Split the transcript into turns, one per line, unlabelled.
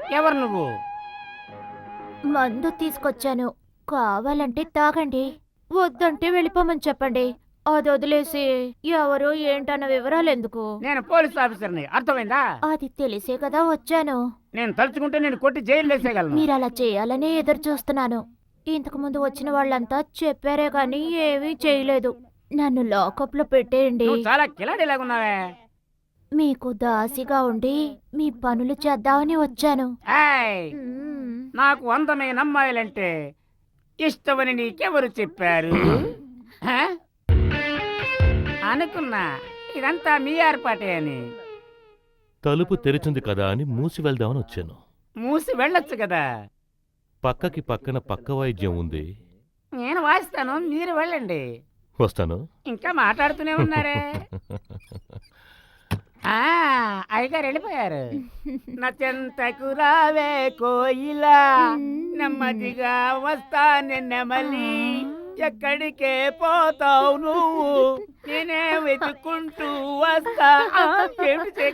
ఎవరు నువ్వు?
మందు తీసుకొచ్చాను. కావాలంటే తాగండి, వద్దంటే వెళ్ళిపోమని చెప్పండి. అది వదిలేసి ఎవరు ఏంటన్న వివరాలెందుకు?
నేను పోలీస్ ఆఫీసర్ని, అర్థమైందా?
అది తెలిసే కదా వచ్చాను.
నేను తలుచుకుంటే నేను కొట్టి జైలు వేసేయగలను.
మీరలా చేయాలనే ఎదురు చూస్తున్నాను. ఇంతకు ముందు వచ్చిన వాళ్ళంతా చెప్పారే గాని ఏమీ చేయలేదు. నన్ను లాకప్లో పెట్టేయండి.
నువ్వు చాలా కిలాడిలాగున్నావే.
మీకు దాసిగా ఉండి మీ పనులు చేద్దామని వచ్చాను.
ఏయ్,
మ్మ్.
నాకు అందమైన అమ్మాయిలంటే ఇష్టమని నీకెవరు చెప్పారు? హ? అనుకున్నా ఇదంతా మీ ఏర్పాటే అని.
తలుపు తెరిచింది కదా అని మూసి వెళ్దామని వచ్చాను.
మూసి వెళ్ళొచ్చు కదా.
పక్కకి పక్కన పక్క వాయిద్యం ఉంది.
నేను వాయిస్తాను, మీరు వెళ్ళండి.
వస్తాను.
ఇంకా మాట్లాడుతూనే ఉన్నారే. ఆ, అయ్యగారు వెళ్ళిపోయారు. నా చెంతకు రావే కోయిలా, నెమ్మదిగా వస్తానే నెమలి. ఎక్కడికే పోతావు నువ్వు, నేనే వెతుక్కుంటూ వస్తా. ఏమిటి